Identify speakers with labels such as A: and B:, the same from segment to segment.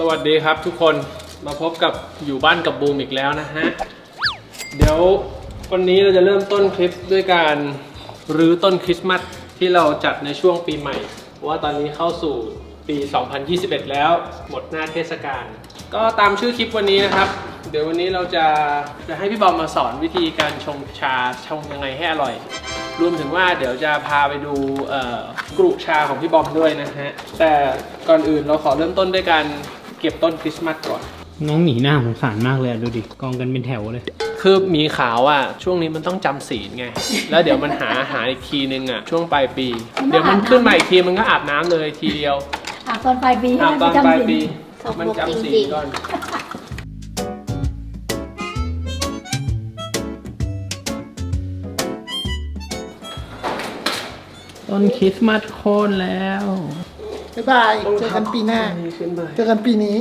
A: วัสดีครับทุกคนมาพบกับอยู่บ้านกับบูมอีกแล้วนะฮะเดี๋ยววันนี้เราจะเริ่มต้นคลิปด้วยการรื้อต้นคริสต์มาสที่เราจัดในช่วงปีใหม่เพราะว่าตอนนี้เข้าสู่ปี 2021 แล้วหมดหน้าเทศกาลก็ตามชื่อคลิปวันนี้นะครับเดี๋ยววันนี้เราจะให้พี่บอมมาสอนวิธีการชงชาชงยังไงให้อร่อยรวมถึงว่าเดี๋ยวจะพาไปดูกรุชาของพี่บอมด้วยนะฮะแต่ก่อนอื่นเราขอเริ่มต้นด้วยการเก็บต้นคริสต์มาสก่อน
B: น้องหมีหน้าสงสารมากเลยดูดิกองกันเป็นแถวเลย
A: คือหมีขาวอ่ะช่วงนี้มันต้องจำศีลไงแล้วเดี๋ยวมันหาอีกทีนึงอ่ะช่วงปลายปีเดี๋ยวมันขึ้นมาอีกทีมันก็อาบน้ำเลยทีเดียว
C: อาบตอนปลายปี
A: อาบตอนปลายปีมันจำศีลก่อน
B: ต้นคริสต์มาสโค่นแล้ว
D: บ๊ายบายเจอกันปีหน้าเจอกันปีนี้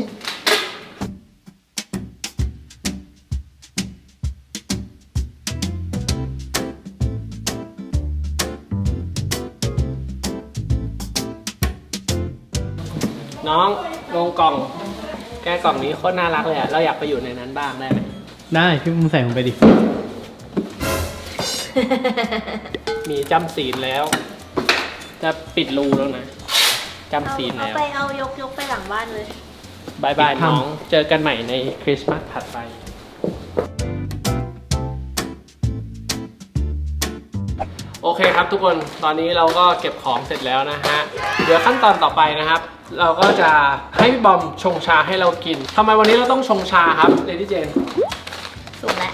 A: น้องลงกล่องแกกล่องนี้โคตรน่ารักเลยอ่ะเราอยากไปอยู่ในนั้นบ้างได้ไหม
B: ได้พี่มึงใส่ลงไปดิ
A: มีจำศีลแล้วจะปิดรูแล้วนะจำศีลแล้ว
C: เอายกไปหลังบ้านเลย
A: บายบายน้องเจอกันใหม่ในคริสต์มาสถัดไปโอเคครับทุกคนตอนนี้เราก็เก็บของเสร็จแล้วนะฮะเดี๋ยวขั้นตอนต่อไปนะครับเราก็จะให้พี่บอมชงชาให้เรากินทำไมวันนี้เราต้องชงชาครับเลดี้เจน
C: สุกแล้ว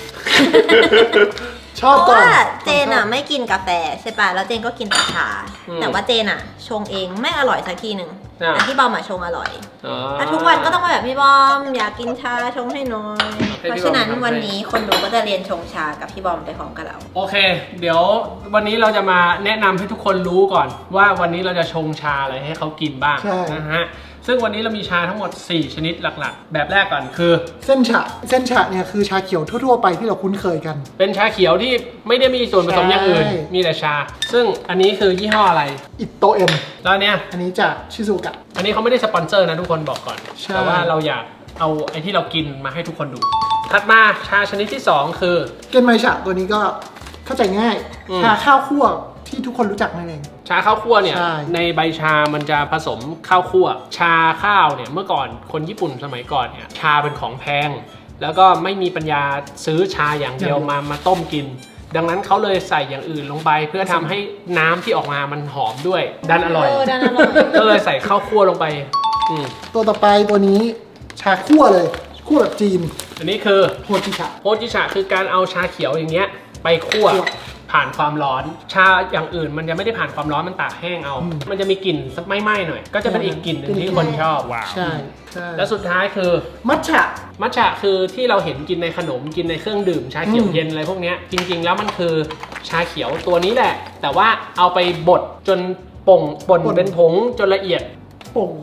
D: ชอบก่อน
C: เพราะว่าเจนอ่ะไม่กินกาแฟใช่ป่ะแล้วเจนก็กินแต่ชาแต่ว่าเจนอ่ะชงเองไม่อร่อยสักทีหนึ่งแต่พี่บอมอ่ะชงอร่อยแล้วทุกวันก็ต้องมาแบบพี่บอมอยากกินชาชงให้หน่อยเพราะฉะนั้นวันนี้คนดูก็จะเรียนชงชากับพี่บอมไปพร้อมกับเรา
A: โอเคเดี๋ยววันนี้เราจะมาแนะนำให้ทุกคนรู้ก่อนว่าวันนี้เราจะชงชาอะไรให้เขากินบ้างนะฮะซึ่งวันนี้เรามีชาทั้งหมด4ชนิดหลักๆแบบแรกก่อนคือ
D: เส้นฉะเนี่ยคือชาเขียวทั่วๆไปที่เราคุ้นเคยกัน
A: เป็นชาเขียวที่ไม่ได้มีส่วนผสมอย่างอื่นมีแต่ชาซึ่งอันนี้คือยี่ห้ออะไร
D: อิโตเอ็ม
A: แล้วเนี่ย
D: อันนี้จากชิซูกะ
A: อันนี้เขาไม่ได้สปอนเซอร์นะทุกคนบอกก่อนแต่ว่าเราอยากเอาไอ้ที่เรากินมาให้ทุกคนดูถัดมาชาชนิดที่2คือ
D: เกนไมชะตัวนี้ก็เข้าใจง่ายชาข้าวคั่วที่ทุกคนรู้จักนั่นเอง
A: ชาข้าวคั่วเนี่ยในใบชามันจะผสมข้าวคั่วชาข้าวเนี่ยเมื่อก่อนคนญี่ปุ่นสมัยก่อนเนี่ยชาเป็นของแพงแล้วก็ไม่มีปัญญาซื้อชาอย่างเดียวมาต้มกินดังนั้นเขาเลยใส่อย่างอื่นลงไปเพื่อทำให้น้ำที่ออกมามันหอมด้วยดันอร่อยก็เลยใส่ข้าวคั่วลงไป
D: ตัวต่อไปตัวนี้ชาคั่วเลยคั่วแบบจีน
A: อันนี้คือ
D: โฮจิ
A: ชะคือการเอาชาเขียวอย่างเงี้ยไปคั่วผ่านความร้อนชาอย่างอื่นมันจะไม่ได้ผ่านความร้อนมันตากแห้งเอามันจะมีกลิ่นไหม้ๆหน่อยก็จะเป็นอีกกลิ่นหนึ่งที่คนชอบว้าว
D: ใช่
A: แล้วสุดท้ายคือมัทฉะคือที่เราเห็นกินในขนมกินในเครื่องดื่มชาเขียวเย็นอะไรพวกนี้จริงๆแล้วมันคือชาเขียวตัวนี้แหละแต่ว่าเอาไปบดจนป่นเป็นผงจนละเอียด
D: ผง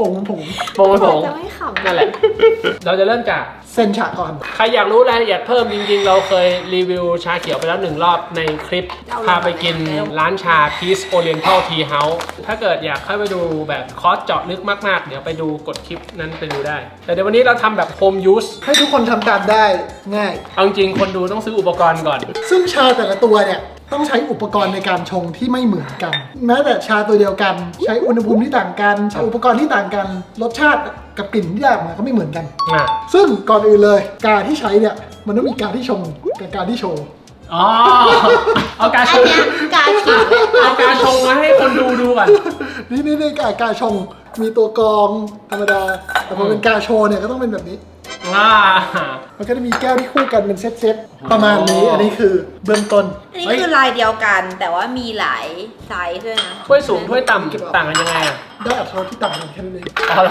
A: นั่นแหละเราจะเริ่มจาก
D: เส้นฉะก่อน
A: ใครอยากรู้รายละเอียดเพิ่มจริงๆเราเคยรีวิวชาเขียวไปแล้ว1รอบในคลิปพาไปกินร้านชา Peace Oriental Tea House ถ้าเกิดอยากเข้าไปดูแบบคอร์สเจาะลึกมากๆเดี๋ยวไปดูกดคลิปนั้นไปดูได้แต่เดี๋ยววันนี้เราทำแบบ Home Use
D: ให้ทุกคนทำตามได้ง่าย
A: เอาจริงคนดูต้องซื้ออุปกรณ์ก่อน
D: ซึ่งชาแต่ละตัวเนี่ยต้องใช้อุปกรณ์ในการชงที่ไม่เหมือนกันแม้แต่ชาตัวเดียวกันใช้อุณหภูมิที่ต่างกันใช้อุปกรณ์ที่ต่างกันรสชาติกับกลิ่นที่ได้ออกมาก็ไม่เหมือนกันซึ่งก่อนอื่นเลยกาที่ใช้เนี่ยมันต้องมีกาที่ชงกับกาที่โชว์
A: เอากาชงเอากาชงมาให้คนดูก่อน
D: นี่กาชงมีตัวกรองธรรมดาแต่พอเป็นกาโชว์เนี่ยก็ต้องเป็นแบบนี้มันก็จะมีแก้วที่คู่กันเป็นเซตประมาณนี้อันนี้คือเบื้องต้น
C: อันนี้คือลายเดียวกันแต่ว่ามีหลายไซส์ด้วยนะ
A: ถ้วยสูงถ้วยต่ำต่างกันยังไง
D: ได้อัตราที่ต่างกันแค่นั้นเอง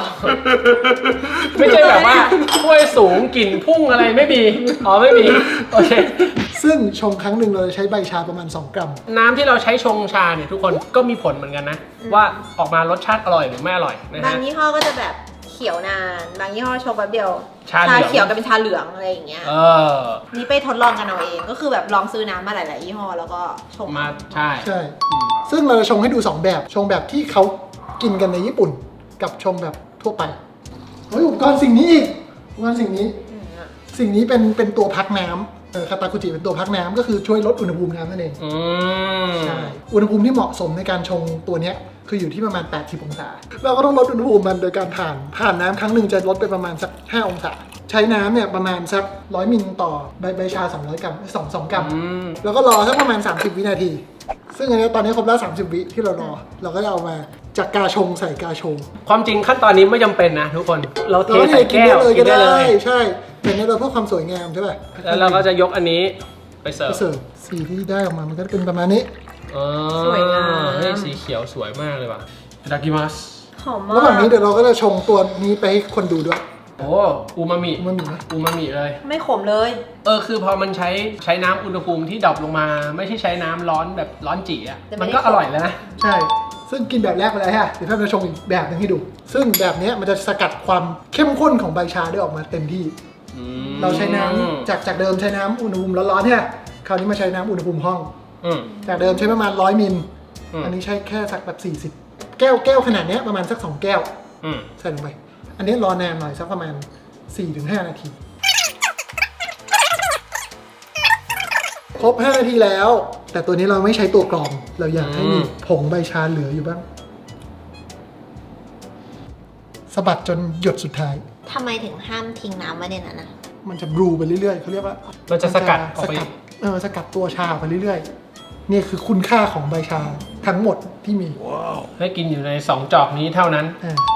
A: ไม่ใช่แบบว่าถ้วยสูงกลิ่นพุ่งอะไรไม่มีไม่มีโอเค
D: ซึ่งชงครั้งหนึ่งเราใช้ใบชาประมาณ2 กรัม
A: น้ำที่เราใช้ชงชาเนี่ยทุกคนก็มีผลเหมือนกันนะว่าออกมารสชาติอร่อยหรือไม่อร่อยนะฮะ
C: บางยี่ห้อก็จะแบบเขียวนานบางยี่ห้อชงแป๊บเดียวชาเขียวกับเป็นชาเหลืองอะไรอย่างเงี้ยนี่ไปทดลองกันเอาเองก็คือแบบลองซื้อน้ำมาหลายๆยี่ห้อแล้วก็ชง
A: มาใช่
D: ซึ่งเราจะชงให้ดู2แบบชงแบบที่เขากินกันในญี่ปุ่นกับชงแบบทั่วไปเฮ้ยอุปกรณ์สิ่งนี้อีกอุปกรณ์สิ่งนี้เป็นตัวพักน้ำคาตาคุจิเป็นตัวพักน้ำก็คือช่วยลดอุณหภูมิน้ำนั่นเองใช่อุณหภูมิที่เหมาะสมในการชงตัวเนี้ยคืออยู่ที่ประมาณ80องศาเราก็ต้องลดอุณหภูมิมันโดยการผ่านน้ำครั้งหนึ่งจะลดไปประมาณสัก5องศาใช้น้ำเนี่ยประมาณสัก100มิลต่อใบชา200กรัม2กรัมแล้วก็รอสักประมาณ30วินาทีซึ่งอันนี้ตอนนี้ครบแล้ว30วิที่เรารอเราก็จะเอามาจากกาชงใส่กาโชว์
A: ความจริงขั้นตอนนี้ไม่จำเป็นนะทุกคนเราเทใส่แก้วกินได้เลย
D: ใช่แต่เนี่ยเราเพื่อความสวยงามใช่ป่ะ
A: แล้วเราก็จะยกอันนี้ไปเสิร์ฟ
D: สีที่ได้ออกมามันก็เป็นประมาณนี้
C: สวยงาม
A: เฮ้ยสีเขียวสวยมากเลยว่ะいただきます
C: หอมมาก
D: ระหว่างนี้เดี๋ยวเราก็จะชงตัวนี้ไปให้คนดูด้วย
A: โอ้อูมามิเลย
C: ไม่ขมเลย
A: คือพอมันใช้น้ำอุณหภูมิที่ดรอปลงมาไม่ใช่ใช้น้ำร้อนแบบร้อนจี๋อ่ะมันก็อร่อยแล้วนะ
D: ใช่ซึ่งกินแบบแรกไปแล้วฮะเดี๋ยวพี่จะชงอีกแบบนึงให้ดูซึ่งแบบนี้มันจะสกัดความเข้มข้นของใบชาได้ออกมาเต็มที่เราใช้น้ำจากเดิมใช้น้ำอุณหภูมิร้อนๆเนี่ยคราวนี้มาใช้น้ำอุณหภูมิห้องจากเดิมใช้ประมาณ100มิลอันนี้ใช้แค่สักแบบ40แก้วขนาดนี้ประมาณสัก2แก้วใส่ลงไปอันนี้รอนานหน่อยสักประมาณ 4-5 นาทีครบ5นาทีแล้วแต่ตัวนี้เราไม่ใช้ตัวกรองเราอยากให้มีผงใบชาเหลืออยู่บ้างสะบัดจนหยดสุดท้าย
C: ทำไมถึงห้ามทิ้งน้ำไว้ในนั้นนะ
D: มันจะบรูไปเรื่อยๆเขาเรียกว่า
A: มันจะสกัดออกไป
D: สกัดตัวชาไปเรื่อยๆนี่คือคุณค่าของใบชาทั้งหมดที่มี
A: ให้กินอยู่ใน2จอกนี้เท่านั้น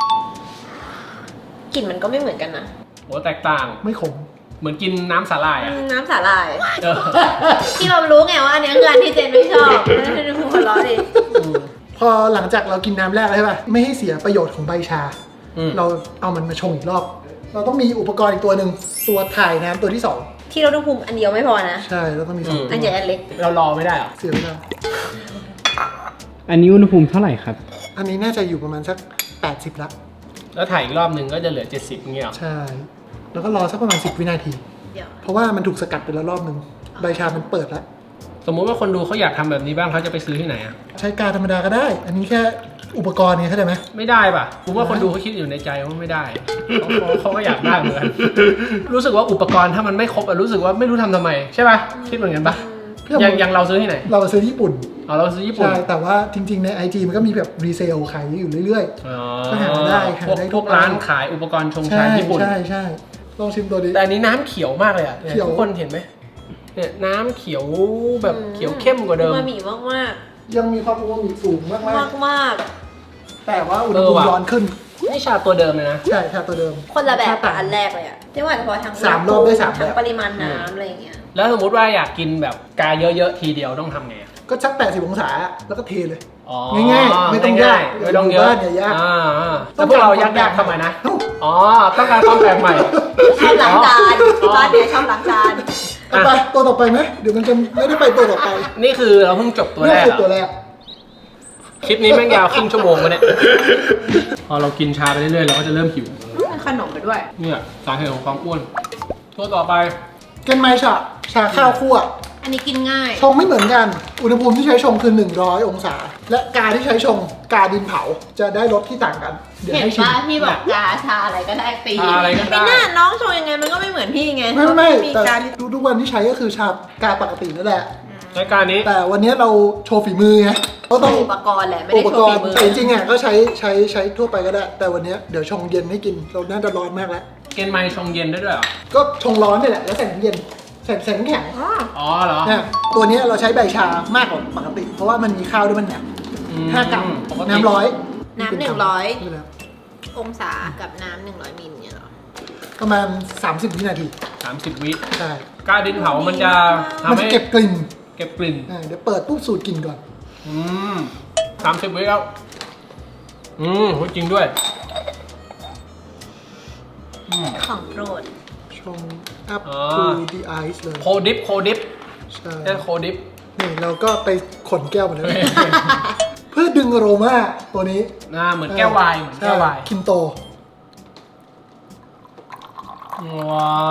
C: กลิ่นมันก็ไม่เหมือนกันนะ
A: โอ้แตกต่าง
D: ไม่ขม
A: เหมือนกินน้ำสาหร่ายอะ
C: น้ำสาหร่ายที่เรารู้ไงว่าอันนี้คืออันที่เจนไม่ชอบไม่ได้หัวเราะดิ
D: พอหลังจากเรากินน้ำแรกแล้วใช่ป่ะไม่ให้เสียประโยชน์ของใบชาเราเอามันมาชงอีกรอบเราต้องมีอุปกรณ์อีกตัวหนึ่งตัวถ่ายน้ำตัวที่2
C: ที่เราต้องภูมิอันเดียวไม่พอนะ
D: ใช่แล้วต้องมี2
C: อันใหญ่อันเล็ก
A: เรารอไม่ได้หรอ
D: เสียไม่ได้
B: อันนี้อุณหภูมิเท่าไหร่ครับ
D: อันนี้น่าจะอยู่ประมาณสัก80ละ
A: แล้วถ่ายอีกรอบหนึ่งก็จะเหลือ70เงี้ย
D: ใช่แล้วก็รอสักประมาณ10วินาทีเพราะว่ามันถูกสกัดไปแล้วรอบหนึ่งใบชามันเปิดแล้ว
A: สมมุติว่าคนดูเขาอยากทำแบบนี้บ้างเขาจะไปซื้อที่ไหนอ่ะ
D: ใช้กาธรรมดาก็ได้อันนี้แค่อุปกรณ์เนี่ยเข้าใจไหม
A: ไม่ได้ป่ะผมว่าคนดูเขาคิดอยู่ในใจว่าไม่ได้เขาก็อยากได้เหมือนกันรู้สึกว่าอุปกรณ์ถ้ามันไม่ครบอะรู้สึกว่าไม่รู้ทำไมใช่ป่ะคิดเหมือนกันป่ะยังเราซื้อที่ไหน
D: เราซื้อญี่ปุ่น
A: เราซื้อญี่ปุ่น
D: ใช่แต่ว่าจริงๆใน IG มันก็มีแบบรีเซลขายอยู่เรื่อยๆก็หาได้
A: พวกร้านขายอุปกรณ์ชงชาญี่ปุ่น
D: ใช่ลองชิมตัวนี้
A: แต่อันนี้น้ำเขียวมากเลยอ่ะทุกคนเห็นไหมเนี่ยน้ำเขียวแบบเขียวเข้มกว่าเดิม
C: อูมามิมาก
D: ยังมีความอูมามิสูงมากแต่ว่าอุณหภูมิร้อนขึ้น
A: นี่ชาตัวเดิมเลยนะ
D: ใช่ชาตัวเดิม
C: คนละแบบกับอันแรกเลยอ่ะที่ว่าเฉพาะทั้ง
D: 3รอบได้3
C: แบบปริมาณน้ำอะไรอย่างเงี้ย
A: แล้วสมมติว่าอยากกินแบบกาเยอะๆทีเดียวต้องทำไง
D: ก็ชัก80องศาแล้วก็เทเลยง่ายๆไม่ต้องยาก
A: ไม่ต้องเยอะ
D: เนี่ยยาก
A: แต่พวกเรายากๆทำไมนะต้องการความแปลกใหม่
C: ชอบล้างจานบ้านเนี่ยชอบล้างจาน
D: ไปตัวต่อไปไหมเดี๋ยวมันจะไม่ได้ไปตัวต่อไป
A: นี่คือเราเพิ่งจบตัวแรกคลิปนี้แม่งยาวครึ่งชั่วโมงมาเนี่ยพอเรากินชาไปเรื่อยๆเราก็จะเริ่มหิว
C: ขนมไปด้วย
A: เนี่ยสาเหตุของความอ้วนตัวต่อไป
D: เกนไมชาข้าวคั่ว
C: อันนี้กินง่าย
D: ชงไม่เหมือนกันอุณหภูมิที่ใช้ชงคือ100องศาและกาที่ใช้ชงกาดินเผาจะได้รสที่ต่างกัน
C: เดี๋ยวให้ชิมพี่บอกกาชาอะไรก็ได้ตี
A: อะไรก็ได้
C: ไม่น่าน้องชงยังไงมันก็ไม่เหมือนพี่ไง
D: ไม่แต่ทุกวันที่ใช้ก็คือชากาปกตินั่นแหละ
A: ใช้การนี้
D: แต่วันนี้เราโชว์ฝีมือไง
C: ก็ต้องอุปกรณ์แหละไม่ได้โชว์ฝีมือ
D: แต่จริงๆอ่ะก็ใช้ทั่วไปก็ได้แต่วันนี้เดี๋ยวชงเย็นให้กินเราน่าจะร้อนมากแล้ว
A: เกนไมชงเย็นได้ด้วยเหรอ
D: ก็ชงร้อนนี่แหละแล้วใส่น้ำเย็นใส่น้ำแข็ง
A: เหรอ
D: ตัวนี้เราใช้ใบชามากกว่าปกติเพราะว่ามันมีข้าวด้วยมันหนัก5 กรัมน้ำ
C: 100องศากับน้ำ100มิลเนี่ยหรอ
D: ประมาณ30วินาที
A: 30วิ
D: ใช่
A: กาดินเผามันจะ
D: เก็บกลิ่น
A: เ
D: ดี๋ยวเปิดปุ๊บสูตรกลิ่นก่อน
A: 30วิแล้วจริงด้วย
C: ของโปรด
D: ชงup to the ice เลย
A: โคดิฟ
D: ใช่
A: โคดิฟ
D: นี่เราก็ไปขนแก้วมาเลยเพื่อดึงอโรมาตัวนี้
A: เหมือนแก้วไวน์
D: คิมโต
A: ว้า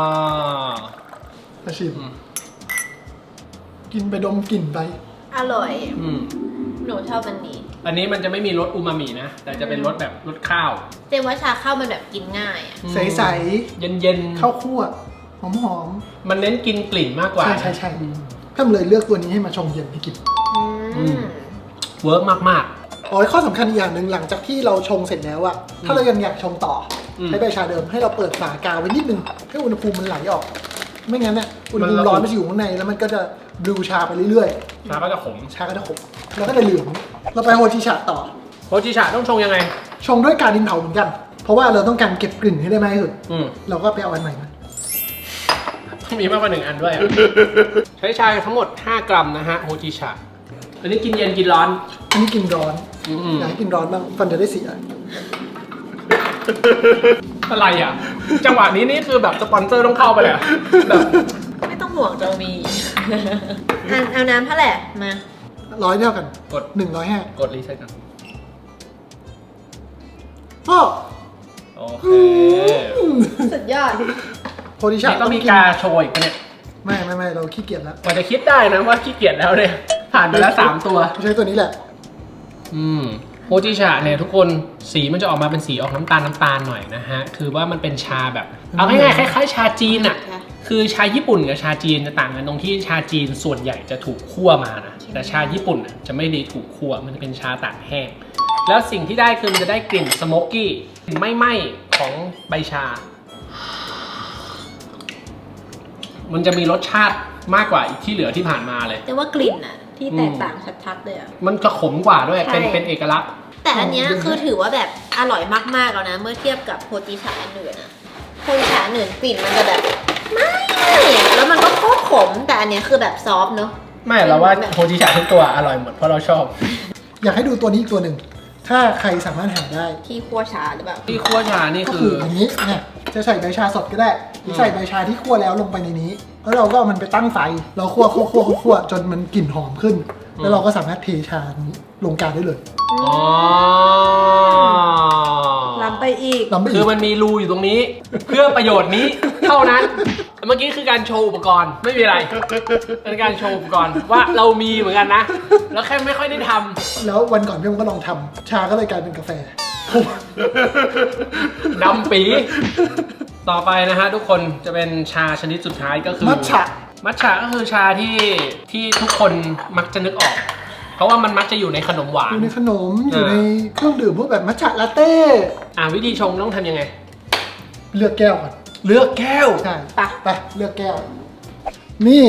D: ชิมกินไปดมกลิ่นไป
C: อร่อยหนูชอบอันนี้
A: อันนี้มันจะไม่มีรสอูมามินะ แต่จะเป็นรสแบบรสข้าว
C: เจนว่าชาข้าวมันแบบกินง่ายอ่ะ
D: ใส
A: เย็น
D: ๆข้าวคั่วหอม
A: ๆมันเน้นกินกลิ่นมากก
D: ๆ
A: ว่า
D: ใช่ถ้าเลยเลือกตัวนี้ให้มาชงเย็นให้กิน
A: เวิร์กมาก
D: อ๋อข้อสำคัญอีกอย่างหนึ่งหลังจากที่เราชงเสร็จแล้วอะถ้าเรายังอยากชงต่ออ
A: ม
D: ใช้ใบชาเดิมให้เราเปิดฝากาไว้นิดนึงให้อุณหภูมิมันไหลออก ไม่งั้นเนี่ยอุณหภูมิร้อนมันจะอยู่ข้างในแล้วมันก็จะบลูชาไปเรื่อย
A: ๆชาก็จะขม
D: ๆ ชาก็จะขมแล้วก็จะเหลืองเราไปโฮจิชาต่อ
A: โฮจิชะต้องชงยังไง
D: ชงด้วยการดินเผาเหมือนกัน เพราะว่าเราต้องการเก็บกลิ่นให้ได้มากที่สุด
A: อืม
D: เราก็ไปเอาอันใหม่มา
A: ต้องมีมากกว่า1 อันด้วยอะใช้ชาทั้งหมด 5 กรัมนะฮะโฮจิชะอันนี้กินเย็นกินร้อน
D: อันนี้กินร้อน
A: อืม
D: อยากให้กินร้อนบ้างฟันจะได้เสีย
A: อะไรอ่ะ จังหวะนี้นี่คือแบบสปอนเซอร์ต้องเข้าไปเลยอะแบบ
C: ไม่ต้องห่วงจะมี เอาน้ำเท่าไหร่มา
D: ร้อยเท่ากัน
A: กด
D: 150
A: กดรีเซ็ตกัน
D: พ่อ
A: โอเค
C: สุดยอด
D: โฮจิชา
A: นี่ต้องมีกาโชว์อีกปะเนี่ย
D: ไม่เราขี้เกียจแล้ว
A: กว่าจะคิดได้นะว่าขี้เกียจแล้วเนี่ยผ่านไปแล้ว 3 ตัว
D: ใช้ตัวนี้แหละ
A: โฮจิชะเนี่ยทุกคนสีมันจะออกมาเป็นสีออกน้ำตาลหน่อยนะฮะ คือว่ามันเป็นชาแบบ เอาง่ายๆคล้ายๆชาจีนอ่ะ
C: ค่ะ
A: คือชาญี่ปุ่นกับชาจีนจะต่างกันตรงที่ชาจีนส่วนใหญ่จะถูกคั่วมานะ แต่ชาญี่ปุ่นน่ะจะไม่ได้ถูกคั่ว มันจะเป็นชาตากแห้ง แล้วสิ่งที่ได้คือมันจะได้กลิ่นสโมกกี้กลิ่นไหม้ๆของใบชา มันจะมีรสชาติมากกว่าอีกที่เหลือที่ผ่านมาเลย
C: แต่ว่ากลิ่นอะที่แตกต่างชัดๆเลยอะ
A: มันจะขมกว่าด้วย
C: ใช่
A: เป็นเอกลักษณ์
C: แต่อันเนี้ยคือถือว่าแบบอร่อยมากๆแล้วนะ เมื่อเทียบกับโฮจิชาอันอื่นอะโฮจิชาอันอื่นกลิ่นมันจะแบบไม่อะแล้วมันก็โคตรขม แต่อันเนี้ยคือแบบซอฟต์เนอะ
A: ไม่เราว่าโฮจิชะทุกตัวอร่อยหมดเพราะเราชอบ
D: อยากให้ดูตัวนี้อีกตัวหนึ่ง ถ้าใครสามารถหาได้
C: ที่คั่วชาหรือเปล่า
A: ที่คั่วชานี่
D: ก็
A: คื
D: คือ ออย่างนี้เนี่ยจะใส่ใบชาสดก็ได้หรือใส่ใบชาที่คั่วแล้วลงไปในนี้ แล้วเราก็เอามันไปตั้งไฟ เราคั่วจนมันกลิ่นหอมขึ้น แล้วเราก็สามารถเทชานี้ลงกาได้เลย
A: อ๋อ
C: ล้ำไปอีก
D: ลำไป
A: คื
D: อี
A: อก มันมีรูอยู่ตรงนี้ เพื่อประโยชน์นี้เท่านั้น เมื่อกี้คือการโชว์อุปกรณ์ไม่มีอะไรเป็นการโชว์อุปกรณ์ว่าเรามีเหมือนกันนะ แล้วแค่ไม่ค่อยได้ทำ
D: แล้ววันก่อนพี่มันก็ลองทำชาก็เลยกลายเป็นกาแฟ
A: ดำปีต่อไปนะฮะทุกคนจะเป็นชาชนิดสุดท้ายก็คือ
D: มัทฉะ
A: มัทฉะก็คือชาที่ทุกคนมักจะนึกออก เพราะว่ามันมักจะอยู่ในขนมหวา
D: อน ยู่ในขนมอยู่ในเครื่องดื่มพวกแบบมัทฉะลาเต้
A: วิธีชงต้องทำยังไง
D: เลือกแก้วก่อน
A: เลือกแก้ว
D: ใช่
C: ไป
D: ไปเลือกแก้ว นี่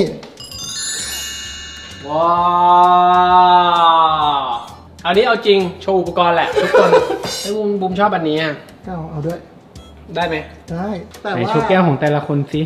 A: ว้าวอันนี้เอาจริงโชว์อุปกรณ์แหละทุกคน ไอ้บูมชอบอันนี้อะ
D: เอาด้วย
A: ได้ไหม
D: ได้แต่
B: ไหน
D: ว่า
B: โชว์แก้วของแต่ละคนสิ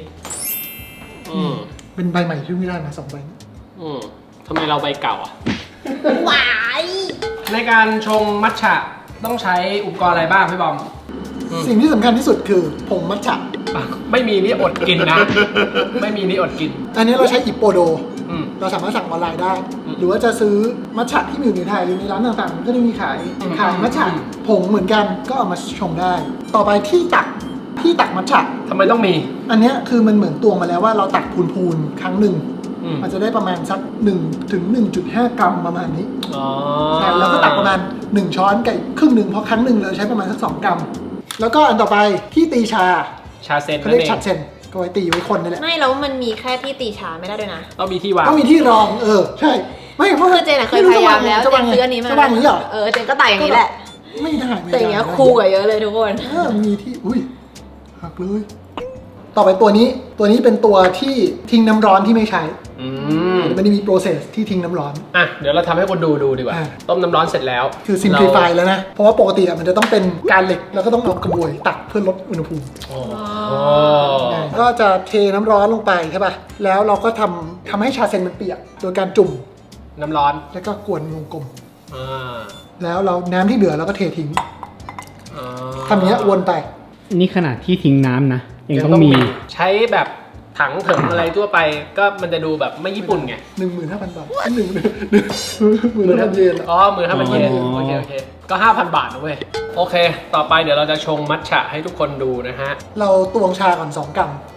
D: เป็นใบใหม่ที่ไม่ได้มา2 ใบ
A: ทำไมเราใบเก่าอ่ะ
C: หวาย
A: ในการชงมัทฉะต้องใช้อุปกรณ์อะไรบ้างพี่บอม
D: สิ่งที่สำคัญที่สุดคือผงมัทฉะ
A: ไม่มีนี่อดกินนะ ไม่มีนี่อดกิน
D: อันนี้เราใช้อิปโปโด
A: อืม
D: เราสามารถสั่งออนไลน์ได้ หรือว่าจะซื้อมัทฉะที่มีอยู่ในไทยหรือในร้านต่างๆก็ได้มีขายมัทฉะผงเหมือนกันก็เอามาชงได้ ต่อไปที่ตักมัทฉะ
A: ทำไมต้องมี
D: อันเนี้ยคือมันเหมือนตวงมาแล้วว่าเราตักพูนๆครั้งหนึ่ง มันจะได้ประมาณสัก1 ถึง 1.5 กรัมประมาณนี้
A: อ๋อ
D: ใช่แล้วก็ตักประมาณ1 ช้อนกับครึ่งหนึ่งเพราะครั้งหนึ่งเราใช้ประมาณสัก2 กรัม แล้วก็อันต่อไปที่ตีชา
A: ชาเซน
D: เขา
A: นั่
D: เรีย
A: น
D: ก
A: เอง
D: ชัดเซนก็ไว้ตีไว้คนนี่แหละ
C: ไม่แล้วมันมีแค่ที่ตีชาไม่ได้ด้วยนะ
A: ต้องมีที่วาง
D: ต้องมีที่รองใช่ไม่เพราะ
C: คือเจนอะเคยพยายามแล้ว
D: จะ
C: เจ
D: วาง
C: น
D: ไง
C: ซื้ออันนี้มา
D: จะวางอย่างนี้เหรอ
C: เจนก็ตักอย่างนี้แหละ
D: ไม่ได้
C: แต่อย่างเงี้ยคูลกว่าเยอะเลยทุกคน
D: มีที่อุ้ยหักเลยต่อไปตัวนี้เป็นตัวที่ทิ้งน้ำร้อนที่ไม่ใช้ มันจะมีโปรเซสที่ทิ้งน้ำร้อน
A: เดี๋ยวเราทำให้คนดูดีกว่า ต้มน้ำร้อนเสร็จแล้ว
D: คือ simplify แล้วนะ เพราะว่าปกติมันจะต้องเป็นการเหล็กแล้วก็ต้องเอากระบวยตักเพื่อลดอุณหภูมิ ก็จะเทน้ำร้อนลงไปใช่ป่ะ แล้วเราก็ทำให้ชาเซนมันเปียก โดยการจุ่ม
A: น้ำร้อน
D: แล้วก็กวนวงกลม
A: อ่า
D: แล้วเราน้ำที่เหลือเราก็เททิ้ง
A: อ่า
D: ทำอย่างเนี้ยวนไป
B: นี่ขนาดที่ทิ้งน้ำนะ ยังต้องมี
A: ใช้แบบถังเถิงอะไรทั่วไป ก็มันจะดูแบบไม่ญี่ปุ่นไง
D: 15,000 บาท15,000 เยน
A: อ๋อ15,000 เยน
B: อ๋อ
A: โอเคก็ 5,000 บาทนะเว้ย โอเค ต่อไปเดี๋ยวเราจะชงมัทฉะให้ทุกคนดูนะฮะ
D: เราตวงชาก่อน2 กรัม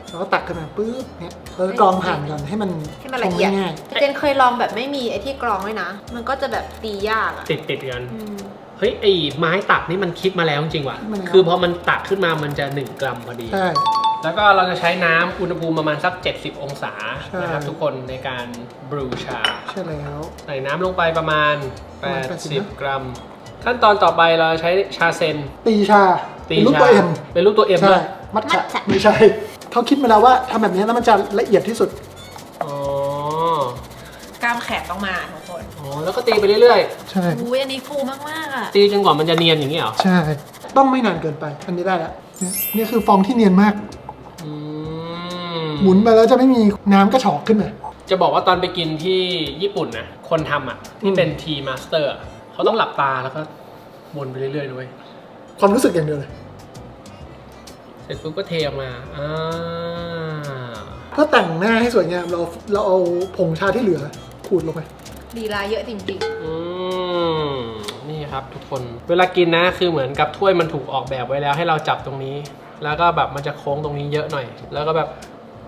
D: แล้วก็ตักขึ้นมาปุ๊บเนี่ยแล้วก็กรองผ่านก่อนให้มัน
C: ละเอียด
D: ชงง่าย
C: เจนเคยลองแบบไม่มีไอ้ที่กรองด้วยนะ มันก็จะแบบตียากอะ
A: ติดกันเฮ้ยไอ้ไม้ตักนี่มันคิดมาแล้วจริงว่ะ
D: มันครับ
A: คือพอมันตักขึ้นมามันจะ1 กรัมพอดี
D: ใช่
A: แล้วก็เราจะใช้น้ำอุณหภูมิประมาณสัก 70 องศา
D: ใช่
A: นะครับทุกคนในการบรูชา
D: ใช่แล้ว
A: ใส่น้ำลงไปประมาณ
D: ประมาณ80
A: 80 กรัม ขั้นตอนต่อไปเราใช้ชาเซน
D: ตีชา
A: ตี
D: เป็นรูป
A: ชา
D: ตัวเอ็ม
A: เป็นรูปตัวเอ็ม
D: ใช่
A: เลย
D: มัทฉะไม่ใช่เขาคิดมาแล้วว่าทำแบบนี้แล้วมันจะละเอียดที่สุด
A: อ๋อ
C: กล้ามแขนต้องมาทุกคน
A: อ๋อแล้วก็ตีไปเรื่อย
D: ใช่
C: อุ้ยอันนี้ฟูมากๆอะ
A: ๆ ตีจนกว่ามันจะเนียนอย่างนี้เหรอ
D: ใช่ ต้องไม่นานเกินไป อันนี้ได้แล้วเนี่ยนี่คือฟองที่เนียนมาก
A: อืม
D: หมุนไปแล้วจะไม่มีน้ำกระฉอกขึ้นมา
A: จะบอกว่าตอนไปกินที่ญี่ปุ่นนะคนทำอ่ะที่เป็นทีมาสเตอร์เขาต้องหลับตาแล้วก็วนไปเรื่อยๆด้วย
D: ความรู้สึกอย่างเดียวเลย
A: เสร็จปุ๊บก็เทออกมา
D: เพื่อแต่งหน้าให้สวยงามเราเอาผงชาที่เหลือขูดลงไป
C: ลีลาเยอะจริง
A: อืมนี่ครับทุกคนเวลากินนะคือเหมือนกับถ้วยมันถูกออกแบบไว้แล้วให้เราจับตรงนี้ แล้วก็แบบมันจะโค้งตรงนี้เยอะหน่อย แล้วก็แบบ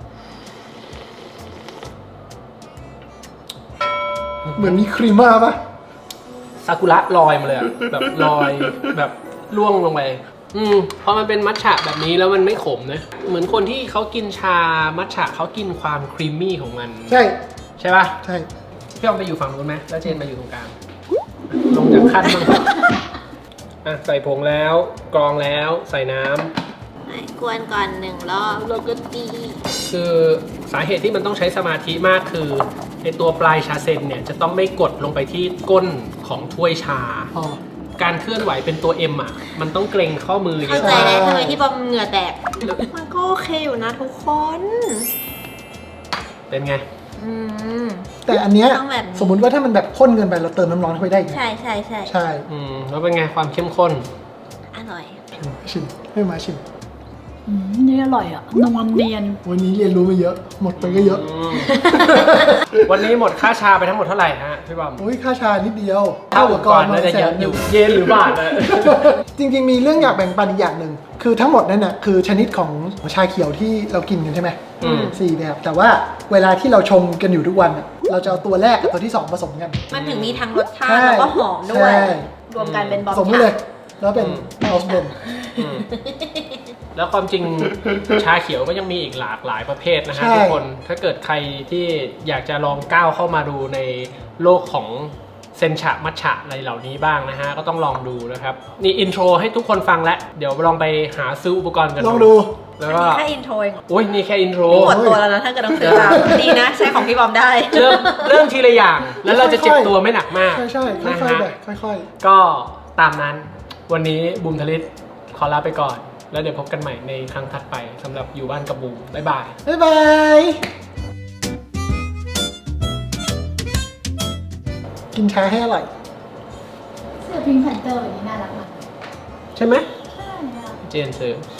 D: เหมือนมีครีมมาปะ
A: ซากุระลอยมาเลยอะแบบลอยแบบล่วงลงไปพอมันเป็นมัทฉะแบบนี้แล้วมันไม่ขมนะเหมือนคนที่เขากินชามัทฉะเขากินความครีมมี่ของมัน
D: ใช่
A: ใช่ป่ะ
D: ใช่
A: พี่ออมไปอยู่ฝั่งนู้นไหมแล้วเจนมาอยู่ตรงกลางลงจากขั้นบ้างอ่ะใส่ผงแล้วกรองแล้วใส่น้ำ
C: กวนก่อน1 รอบแล้วก็ตี
A: คือสาเหตุที่มันต้องใช้สมาธิมากคือไอตัวปลายชาเซนเนี่ยจะต้องไม่กดลงไปที่ก้นของถ้วยชา
D: อ๋อ
A: การเคลื่อนไหวเป็นตัว M อ่ะมันต้องเกรงข้อมือเย
C: เข้า
A: อะ
C: ใจได้ทำไมที่บอมเหงื่อแตก มันก็โอเคอยู่นะทุกคน
A: เป็นไง
C: อืม
D: แต่อันเนี้ย
C: ต้องแบบนี้
D: สมมุติว่าถ้ามันแบบข้นเกินไปเราเติมน้ำร้อนเข้าไปได้อีก
C: ใช่ใช่ใช่
D: ใช่
A: แล้วเป็นไงความเข้มข้น
C: อร่อย
D: ชิมให้มาชิม
E: นี่อร่อยอ่ะนวลเนียน
D: วันนี้เรียนรู้มาเยอะ หมดไปก็เยอะ
A: วันนี้หมดค่าชาไปทั้งหมดเท่าไหร่ฮะพี่บอม
D: โอ้ยค่าชานิดเดียว
A: เท่าก่อนน่าจะเยอะอยู่เยนหรือบาทนะ
D: จริงๆมีเรื่องอยากแบ่งปันอีกอย่างหนึ่งคือทั้งหมดนั่นน่ะคือชนิดของชาเขียวที่เรากินกันใช่ไหม 4 แบบ แต่ว่าเวลาที่เราชงกันอยู่ทุกวันน่ะเราจะเอาตัวแรกกับตัวที่ 2 ผสมกัน
C: มันถึงมีทั้งรสชาติ
D: ใช่
C: แล้วก็หอมด้วย
D: ใช่
C: รวมกันเป็นบอม
D: ผสมกันเลย แล้วเป็นเอลส์เบน
A: แล้วความจริงชาเขียวก็ยังมีอีกหลากหลายประเภทนะฮะ
D: ใช่
A: ทุกคนถ้าเกิดใครที่อยากจะลองก้าวเข้ามาดูในโลกของเซนชะมัทฉะอะไรเหล่านี้บ้างนะฮะก็ต้องลองดูนะครับนี่อินโทรให้ทุกคนฟังแล้วเดี๋ยวลองไปหาซื้ออุปกรณ์กัน
D: ลองดู
A: แล้ว
C: อัน
A: ก็
C: นี้แค่อินโทรเอง
A: โอ้ยนี่แค่อินโทร
C: นี่หมดตัวแล้วนะถ้าเกิดต้องซื้อตามดีนะ ใช้ของพี่บอมได้
A: เริ่มทีละอย่าง แล้วเราจะเจ็บตัวไม่หนักมาก
D: ใช่ใช่ค่
A: นะ
D: อยๆ
A: ฮะ
D: แบบค่อย
A: ก็ตามนั้นวันนี้บูมทลิตขอลาไปก่อน แล้วเดี๋ยวพบกันใหม่ในครั้งถัดไปสำหรับอยู่บ้านกับบูมบ๊ายบาย
D: ๆ บ๊ายบาย กินชาให้อร่อย
E: เสื้อพิงค์แพนเตอร์แบบนี้น่ารักมาก
A: ใช่ไหม
E: ใช่ค่ะ
A: เจนซื้อ